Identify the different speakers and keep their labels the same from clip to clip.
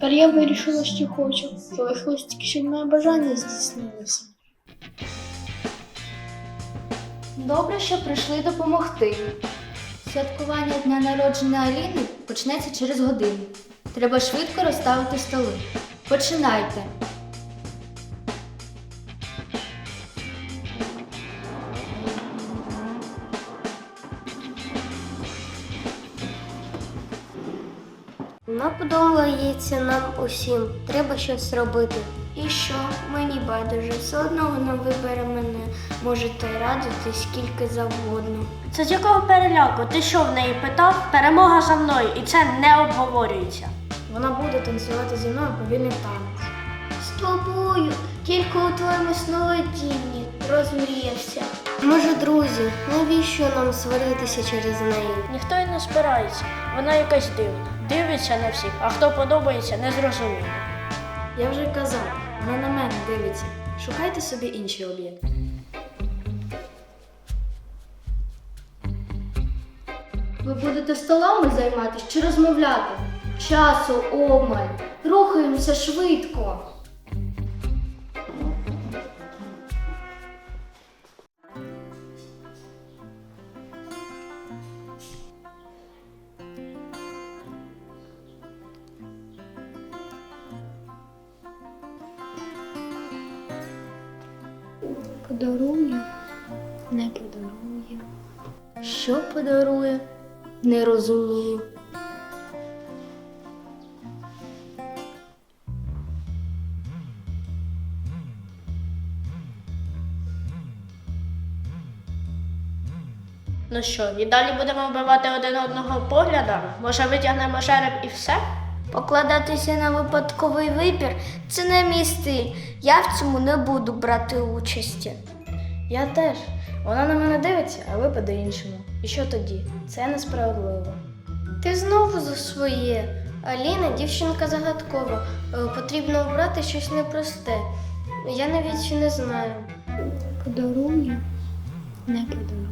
Speaker 1: Тепер я вирішила, що хочу. Залишилось тільки, щоб моє бажання здійснилося.
Speaker 2: Добре, що прийшли допомогти. Святкування дня народження Аліни почнеться через годину. Треба швидко розставити столи. Починайте.
Speaker 3: Вона подобається нам усім. Треба щось робити. І що? Мені байдуже. Все одно вона вибере мене. Можете радити скільки завгодно.
Speaker 4: Це з якого переляку? Ти що в неї питав? Перемога за мною, і це не обговорюється.
Speaker 1: Вона буде танцювати зі мною повільний танець.
Speaker 3: З тобою, тільки у твоєму сновидінні розмріявся. Може, друзі, навіщо нам сваритися через неї?
Speaker 4: Ніхто й не спирається. Вона якась дивна. Дивиться на всіх, а хто подобається, не зрозуміло.
Speaker 1: Я вже казав, вона на мене дивиться. Шукайте собі інші об'єкти.
Speaker 2: Ви будете столами займатися чи розмовляти? Часу обмаль. Рухаємося швидко.
Speaker 1: Подарує, не подарує.
Speaker 2: Що подарує? Не розумію.
Speaker 4: Ну що, і далі будемо вбивати один одного поглядами? Може, витягнемо жереб і все?
Speaker 3: Покладатися на випадковий вибір – це не мій стиль. Я в цьому не буду брати участі.
Speaker 1: Я теж. Вона на мене дивиться, а ви по-іншому. І що тоді? Це несправедливо.
Speaker 3: Ти знову за своє. Аліна дівчинка загадкова. Потрібно обрати щось непросте. Я навіть не знаю.
Speaker 1: Подарує, не подарує.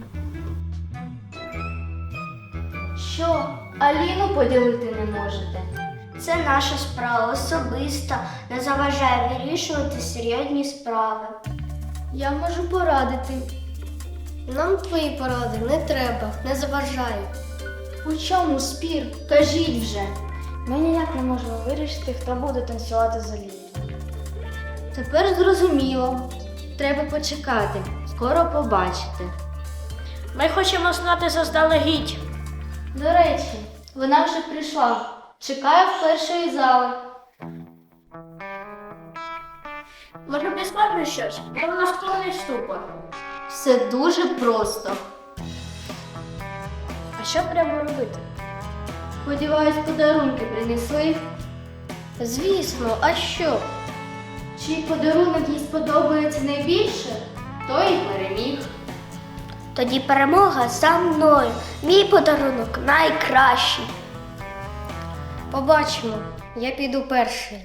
Speaker 2: Що? Аліну поділити не можете?
Speaker 3: Це наша справа особиста. Не заважає вирішувати серйозні справи.
Speaker 2: Я можу порадити.
Speaker 3: Нам твої поради не треба, не заважай.
Speaker 2: У чому спір? Кажіть вже.
Speaker 1: Ми ніяк не можемо вирішити, хто буде танцювати з Аліною.
Speaker 2: Тепер зрозуміло. Треба почекати. Скоро побачите.
Speaker 4: Ми хочемо знати заздалегідь.
Speaker 2: До речі, вона вже прийшла. Чекає в першої зали.
Speaker 4: Може, підскажеш щось? Бо вона склонний ступор.
Speaker 2: Все дуже просто.
Speaker 1: А що треба робити?
Speaker 2: Сподіваюсь, подарунки принесли.
Speaker 3: Звісно, а що?
Speaker 2: Чий подарунок їй сподобається найбільше, той і переміг.
Speaker 3: Тоді перемога за мною. Мій подарунок найкращий. Побачимо. Я піду перший.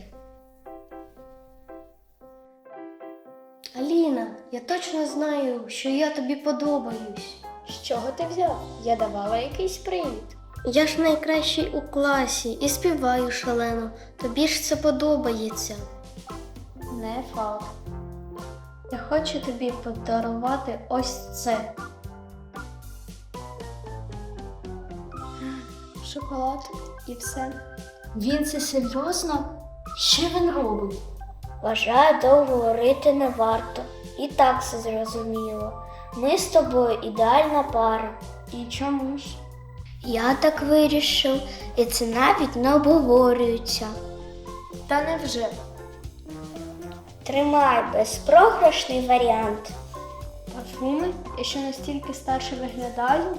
Speaker 3: Аліна, я точно знаю, що я тобі подобаюсь.
Speaker 1: З чого ти взяв? Я давала якийсь привід.
Speaker 3: Я ж найкращий у класі і співаю шалено. Тобі ж це подобається.
Speaker 1: Не факт. Я хочу тобі подарувати ось це. Шоколад і все.
Speaker 2: Він це серйозно? Що він робить?
Speaker 3: Вважаю, довго говорити не варто. І так все зрозуміло. Ми з тобою ідеальна пара.
Speaker 1: І чому ж?
Speaker 3: Я так вирішив, і це навіть не обговорюється.
Speaker 1: Та невже?
Speaker 3: Тримай безпрограшний варіант.
Speaker 1: Парфуми? Я що настільки старше виглядаю?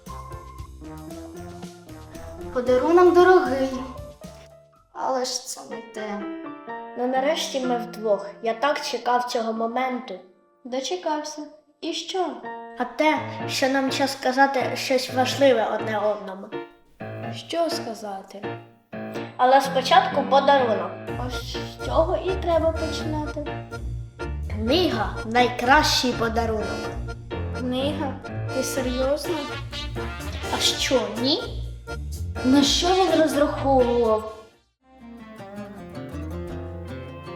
Speaker 2: Подарунок дорогий. Але ж це не те.
Speaker 4: Ну нарешті ми вдвох. Я так чекав цього моменту.
Speaker 1: Дочекався. І що?
Speaker 4: А те, що нам час сказати щось важливе одне одному.
Speaker 1: Що сказати?
Speaker 4: Але спочатку подарунок.
Speaker 1: Ось з цього і треба починати.
Speaker 4: Книга найкращий подарунок.
Speaker 1: Книга? Ти серйозно?
Speaker 4: А що, ні?
Speaker 2: На що він розраховував?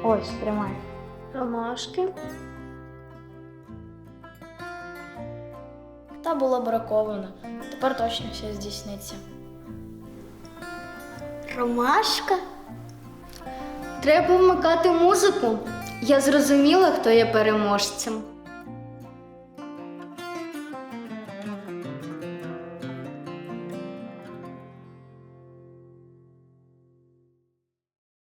Speaker 1: Ось, тримай.
Speaker 3: Ромашки.
Speaker 1: Та було браковано. Тепер точно все здійсниться.
Speaker 3: Ромашка?
Speaker 2: Треба вмикати музику. Я зрозуміла, хто є переможцем.